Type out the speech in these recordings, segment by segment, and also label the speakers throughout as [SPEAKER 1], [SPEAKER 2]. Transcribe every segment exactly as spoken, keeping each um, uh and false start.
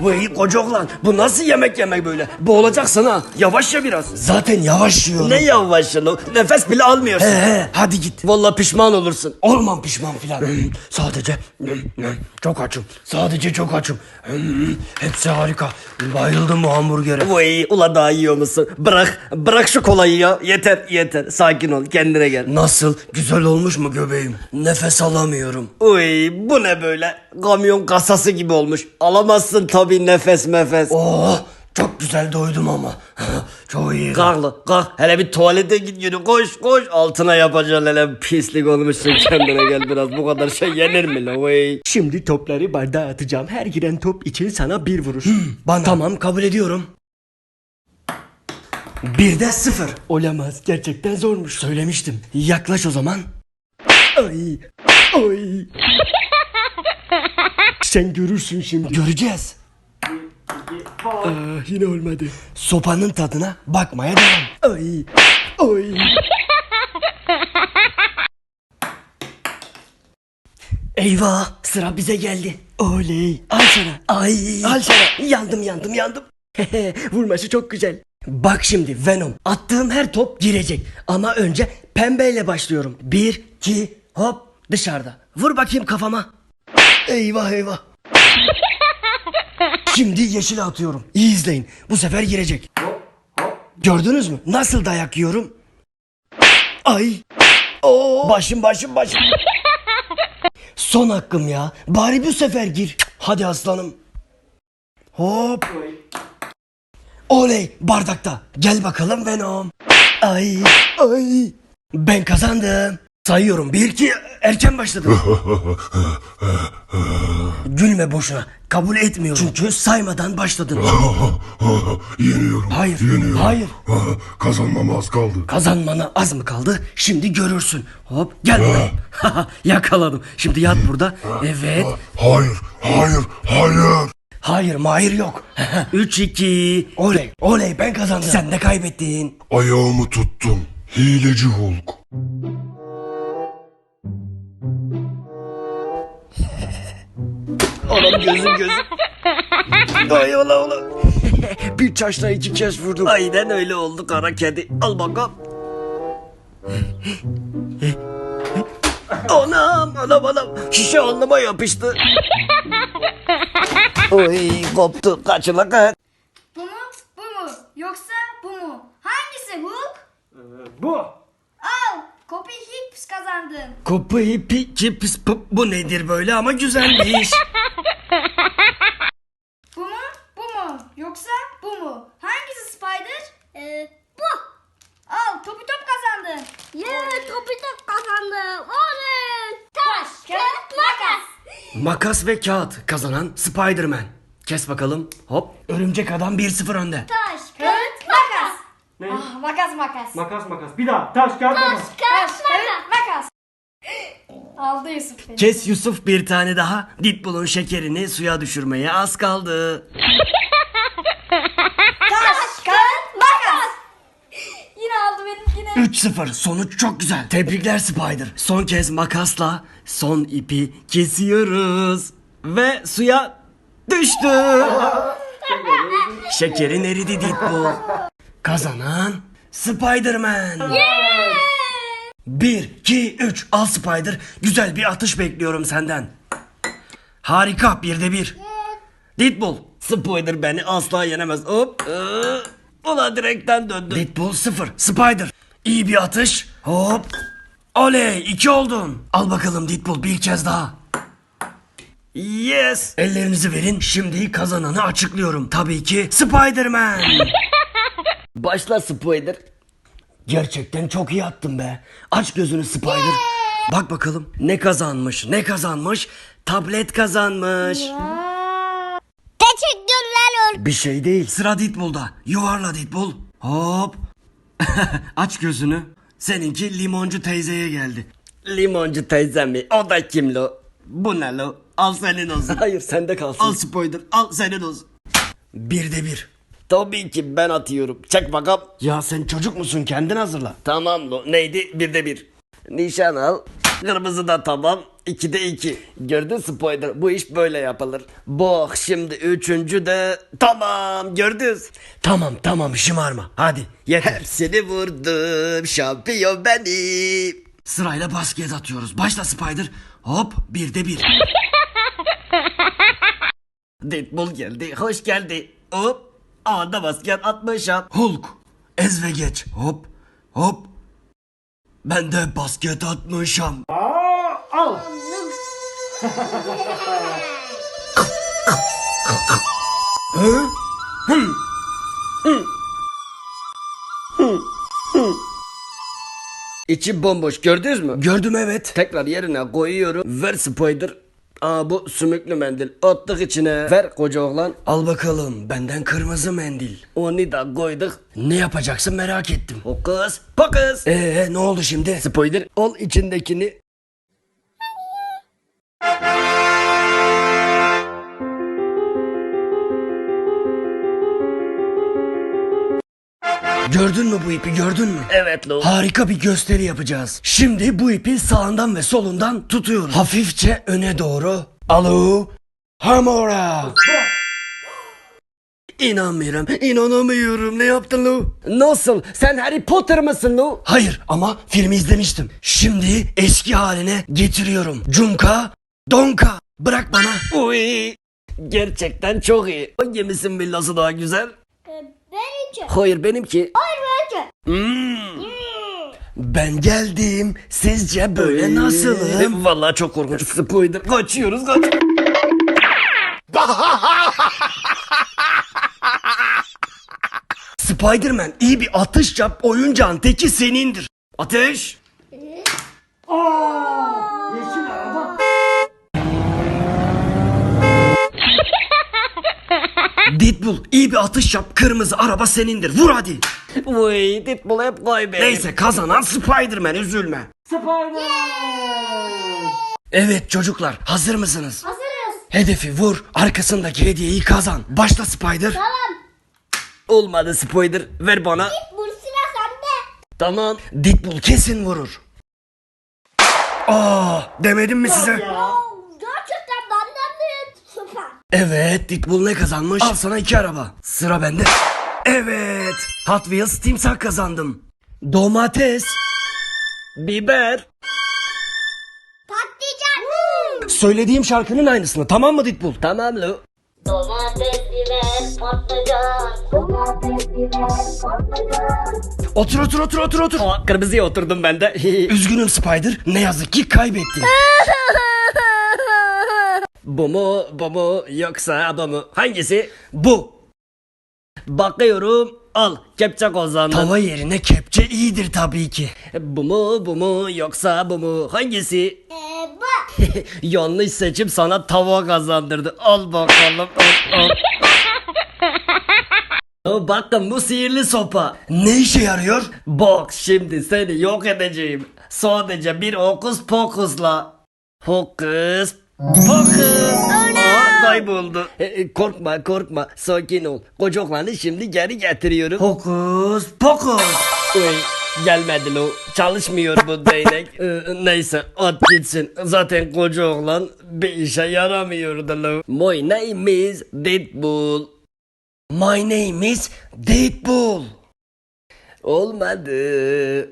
[SPEAKER 1] Vay koca oğlan, bu nasıl yemek yemek böyle? Boğulacaksın ha. Yavaş ya biraz.
[SPEAKER 2] Zaten yavaş yiyorum.
[SPEAKER 1] Ne yavaş ya? Nefes bile almıyorsun.
[SPEAKER 2] He he, hadi git.
[SPEAKER 1] Vallahi pişman olursun.
[SPEAKER 2] Olmam pişman filan.
[SPEAKER 1] Sadece çok açım. Sadece çok açım. Hepsi harika. Bayıldım bu hamburgere. Vay ula daha yiyor musun? Bırak bırak şu kolayı ya. Yeter yeter. Sakin ol, kendine gel.
[SPEAKER 2] Nasıl? Güzel olmuş mu göbeğim? Nefes alamıyorum.
[SPEAKER 1] Uy bu ne böyle? Kamyon kasası gibi olmuş. Alamazsın tabii nefes mefes.
[SPEAKER 2] Oh, çok güzel doydum ama. Çok iyi.
[SPEAKER 1] Kalk lan, kalk. Hele bir tuvalete git yürü. Koş koş. Altına yapacaksın hele. Pislik olmuşsun, kendine gel biraz. Bu kadar şey yenir mi la vay?
[SPEAKER 3] Şimdi topları bardağa atacağım. Her giren top için sana bir vuruş.
[SPEAKER 2] Bana. Tamam, kabul ediyorum. Bir de sıfır.
[SPEAKER 3] Olamaz. Gerçekten zormuş.
[SPEAKER 2] Söylemiştim. Yaklaş o zaman.
[SPEAKER 3] Ay. Ay. Sen görürsün şimdi.
[SPEAKER 2] Göreceğiz.
[SPEAKER 3] Ah, yine olmadı.
[SPEAKER 2] Sopanın tadına bakmaya devam.
[SPEAKER 3] Ay. Ay.
[SPEAKER 2] Eyvah, sıra bize geldi.
[SPEAKER 3] Oley.
[SPEAKER 2] Al sana. Ay.
[SPEAKER 3] Al sana.
[SPEAKER 2] Yandım yandım yandım.
[SPEAKER 3] Vurması çok güzel.
[SPEAKER 2] Bak şimdi Venom. Attığım her top girecek. Ama önce pembeyle başlıyorum. Bir, iki, hop dışarıda. Vur bakayım kafama. Eyvah eyvah. Şimdi yeşile atıyorum. İyi izleyin. Bu sefer girecek. Gördünüz mü? Nasıl dayak yiyorum? Ay. Oo. Başım başım başım. Son hakkım ya. Bari bu sefer gir. Hadi aslanım. Hop. Oley, bardakta. Gel bakalım Venom. Ay ay. Ben kazandım. Sayıyorum. Bir iki, erken başladım. Gülme boşuna. Kabul etmiyorum. Çünkü saymadan başladın.
[SPEAKER 4] Yeniyorum.
[SPEAKER 2] Hayır,
[SPEAKER 4] Yeniyorum.
[SPEAKER 2] hayır.
[SPEAKER 4] Kazanmama az kaldı.
[SPEAKER 2] Kazanmana az mı kaldı? Şimdi görürsün. Hop gel buraya. Yakaladım. Şimdi yat burada. Evet.
[SPEAKER 4] Hayır, hayır, hayır.
[SPEAKER 2] Hayır mahir yok. Üç iki. Oley oley ben kazandım. Sen de kaybettin.
[SPEAKER 4] Ayağımı tuttum. Hileci Hulk.
[SPEAKER 1] Oğlum gözüm gözüm. Ay ola ola.
[SPEAKER 3] Bir taşla iki kez vurdum.
[SPEAKER 1] Aynen öyle oldu kara kedi. Al bakalım. Anam anam anam. Şişe alnıma yapıştı. Oy koptu. Kaçıla kaç.
[SPEAKER 5] Bu mu? Bu mu? Yoksa bu mu? Hangisi Hulk?
[SPEAKER 3] Bu.
[SPEAKER 5] Al! Kopi Hicks kazandın.
[SPEAKER 2] Kopu hipi cips pıp. Bu nedir böyle ama güzelmiş.
[SPEAKER 5] Bu mu? Bu mu? Yoksa bu mu? Hangisi Spider? Ee, bu. Al! Topi top kazandın.
[SPEAKER 6] Yeah, topi top kazandım. Oley! Taş, kağıt, makas.
[SPEAKER 2] Makas ve kağıt kazanan Spider-Man. Kes bakalım. Hop. Örümcek adam bir sıfır önde.
[SPEAKER 5] Taş, kağıt, makas. Ah, makas makas.
[SPEAKER 3] Makas makas. Bir daha. Taş kağıt makas.
[SPEAKER 5] Taş, kağıt, makas. Aldı Yusuf beni.
[SPEAKER 2] Kes Yusuf bir tane daha. Deadpool'un şekerini suya düşürmeye az kaldı.
[SPEAKER 5] Taş, kağıt, makas. Yine aldı benimkini.
[SPEAKER 2] üç sıfır. Sonuç çok güzel. Tebrikler Spider. Son kez makasla son ipi kesiyoruz. Ve suya düştü. Şekerin eridi Deadpool. Kazanan Spider-Man. Bir, iki, üç. Al Spider. Güzel bir atış bekliyorum senden. Harika. Bir de bir. Deadpool.
[SPEAKER 1] Spider beni asla yenemez. Hop. Ee, Ulan direkten döndü.
[SPEAKER 2] Deadpool sıfır. Spider. İyi bir atış. Hop. Oley. iki oldun. Al bakalım Deadpool bir kez daha.
[SPEAKER 1] Yes.
[SPEAKER 2] Ellerinizi verin. Şimdi kazananı açıklıyorum. Tabii ki Spider-Man.
[SPEAKER 1] Başla Spider.
[SPEAKER 2] Gerçekten çok iyi attın be. Aç gözünü Spider. Bak bakalım ne kazanmış ne kazanmış. Tablet kazanmış.
[SPEAKER 6] Teşekkürler Hulk.
[SPEAKER 2] Bir şey değil. Sıra Deadpool'da. Yuvarla Deadpool. Hop. Aç gözünü. Seninki limoncu teyzeye geldi.
[SPEAKER 1] Limoncu teyze mi? O da kim lo? Bu ne lo? Al senin olsun.
[SPEAKER 2] Hayır sende kalsın.
[SPEAKER 1] Al Spider. Al senin olsun.
[SPEAKER 2] Bir de bir.
[SPEAKER 1] Tabii ki ben atıyorum. Çek bakalım.
[SPEAKER 2] Ya sen çocuk musun? Kendin hazırla.
[SPEAKER 1] Tamam lo. Neydi? Bir de bir. Nişan al. Kırmızı da tamam. ikide iki. Gördün Spider, bu iş böyle yapılır. Bak şimdi üçüncü de tamam gördünüz.
[SPEAKER 2] Tamam tamam şımarma. Hadi yeter.
[SPEAKER 1] Hepsini vurdum, şampiyon benim.
[SPEAKER 2] Sırayla basket atıyoruz. Başla Spider. Hop bir de bir.
[SPEAKER 1] Deadpool geldi, hoş geldi. Hop, anda basket atmışım.
[SPEAKER 2] Hulk. Ez ve geç. Hop hop. Ben de basket atmışım. Hı?
[SPEAKER 1] İçi bomboş gördünüz mü?
[SPEAKER 2] Gördüm evet.
[SPEAKER 1] Tekrar yerine koyuyorum. Ver Spider. Aa bu sümüklü mendil. Attık içine. Ver koca oğlan.
[SPEAKER 2] Al bakalım benden kırmızı mendil.
[SPEAKER 1] Onu da koyduk.
[SPEAKER 2] Ne yapacaksın merak ettim.
[SPEAKER 1] Hokus pokus.
[SPEAKER 2] Ee ne oldu şimdi?
[SPEAKER 1] Spider al içindekini.
[SPEAKER 2] Gördün mü bu ipi gördün mü?
[SPEAKER 1] Evet lo.
[SPEAKER 2] Harika bir gösteri yapacağız. Şimdi bu ipi sağından ve solundan tutuyoruz. Hafifçe öne doğru. Alo. Hamora. İnanmıyorum. İnanamıyorum. Ne yaptın lo?
[SPEAKER 1] Nasıl? Sen Harry Potter mısın lo?
[SPEAKER 2] Hayır ama filmi izlemiştim. Şimdi eski haline getiriyorum. Cunka. Donka. Bırak bana.
[SPEAKER 1] Uy. Gerçekten çok iyi. Hangimizin villası daha güzel?
[SPEAKER 6] Benimki.
[SPEAKER 1] Hayır benimki.
[SPEAKER 6] Hayır benimki.
[SPEAKER 1] Hmm.
[SPEAKER 2] Ben geldim. Sizce böyle nasılım?
[SPEAKER 1] Vallahi çok korkunç. Spider. Kaçıyoruz kaç.
[SPEAKER 2] Spider-Man iyi bir atış yap. Oyuncağın teki senindir.
[SPEAKER 1] Ateş.
[SPEAKER 2] Deadpool iyi bir atış yap. Kırmızı araba senindir. Vur hadi.
[SPEAKER 1] Uy Deadpool hep kaybeder.
[SPEAKER 2] Neyse kazanan Spider-Man üzülme. Evet çocuklar hazır mısınız?
[SPEAKER 6] Hazırız.
[SPEAKER 2] Hedefi vur arkasındaki hediyeyi kazan. Başla Spider.
[SPEAKER 6] Tamam.
[SPEAKER 1] Olmadı Spider. Ver bana.
[SPEAKER 6] Bu silah sende.
[SPEAKER 1] Tamam.
[SPEAKER 2] Deadpool kesin vurur. Aa demedim mi size?
[SPEAKER 6] Oo, gerçekten benden büyük. Süper.
[SPEAKER 2] Evet Deadpool ne kazanmış? Al sana iki araba. Sıra bende. Evet Hot Wheels timsah kazandım. Domates.
[SPEAKER 1] Biber.
[SPEAKER 6] Patlıcan.
[SPEAKER 2] Söylediğim şarkının aynısını tamam mı Deadpool?
[SPEAKER 1] Tamam lo.
[SPEAKER 6] Domates, biber, patlıcan. Domates, biber, patlıcan.
[SPEAKER 2] Otur otur otur otur otur.
[SPEAKER 1] Aa, kırmızıya oturdum ben de.
[SPEAKER 2] Üzgünüm Spider ne yazık ki kaybettin.
[SPEAKER 1] Bu mu bu mu yoksa bu mu? Hangisi?
[SPEAKER 2] Bu
[SPEAKER 1] Bakıyorum. Al kepçe kazandın.
[SPEAKER 2] tava yerine kepçe iyidir tabii ki.
[SPEAKER 1] Bu mu bu mu yoksa bu mu? Hangisi?
[SPEAKER 6] Ee, bu.
[SPEAKER 1] Yanlış seçim sana tava kazandırdı. Al bakalım. Al, al. Oh, bakın bu sihirli sopa.
[SPEAKER 2] Ne işe yarıyor?
[SPEAKER 1] Bak şimdi seni yok edeceğim. Sadece bir hokus pokusla. Hokus pokus. Aa, kayboldu. E, e, korkma korkma sakin ol. Kocaklarını şimdi geri getiriyorum.
[SPEAKER 2] Hokus pokus.
[SPEAKER 1] Uy, gelmedi lo. Çalışmıyor bu değnek. Ee, neyse at gitsin. Zaten koca oğlan bir işe yaramıyordu lo. My name is Deadpool.
[SPEAKER 2] My name is Deadpool.
[SPEAKER 1] Olmadı.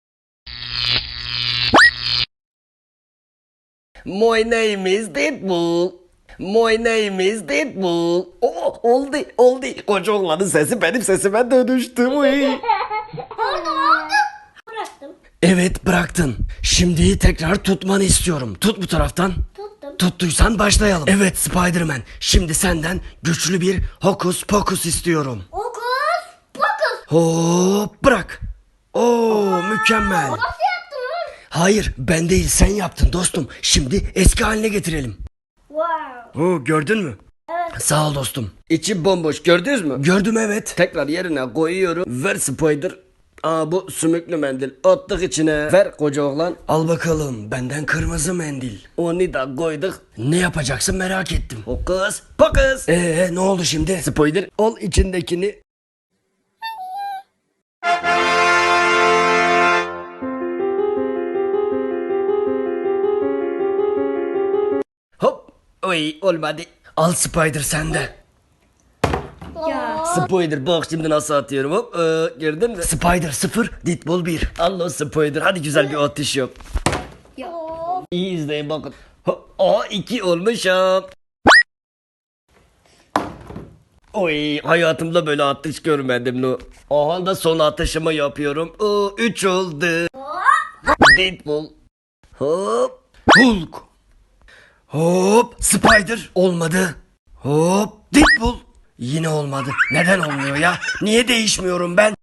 [SPEAKER 1] My name is Deadpool. My name is Deadpool. Oh, oldu oldu. Koca oğlanın sesi benim sesime dönüştü. Uy.
[SPEAKER 6] Oldu oldu. Bıraktım.
[SPEAKER 2] Evet bıraktın. Şimdi tekrar tutmanı istiyorum. Tut bu taraftan.
[SPEAKER 6] Tuttum.
[SPEAKER 2] Tuttuysan başlayalım. Evet Spider-Man. Şimdi senden güçlü bir hokus pokus istiyorum.
[SPEAKER 6] Okus. Pokus.
[SPEAKER 2] Hop bırak. Oo mükemmel.
[SPEAKER 6] Nasıl yaptın?
[SPEAKER 2] Hayır ben değil sen yaptın dostum. Şimdi eski haline getirelim.
[SPEAKER 6] Wow.
[SPEAKER 2] Oo gördün mü? Evet. Sağ ol dostum.
[SPEAKER 1] İçi bomboş gördünüz mü?
[SPEAKER 2] Gördüm evet.
[SPEAKER 1] Tekrar yerine koyuyorum. Ver Spider. Aa bu sümüklü mendil. Attık içine. Ver koca oğlan.
[SPEAKER 2] Al bakalım benden kırmızı mendil.
[SPEAKER 1] Onu da koyduk.
[SPEAKER 2] Ne yapacaksın merak ettim.
[SPEAKER 1] Hokus pokus.
[SPEAKER 2] Ee ne oldu şimdi?
[SPEAKER 1] Spider al içindekini. Oy olmadı.
[SPEAKER 2] Al Spider sende.
[SPEAKER 5] Ya.
[SPEAKER 1] Spider bak şimdi nasıl atıyorum hop. Ee, gördün mü?
[SPEAKER 2] Spider sıfır, Deadpool bir.
[SPEAKER 1] Allah Spider hadi güzel bir atış yap.
[SPEAKER 5] Ya.
[SPEAKER 1] İyi izleyin bakın. Ha, Aa iki olmuşum. Oy hayatımda böyle atış görmedim no. Aha da son atışımı yapıyorum. Oo, üç oldu. Deadpool. Hop.
[SPEAKER 2] Hulk. Hop. Spider. Olmadı. Hop. Deadpool. Yine olmadı. Neden olmuyor ya? Niye değişmiyorum ben?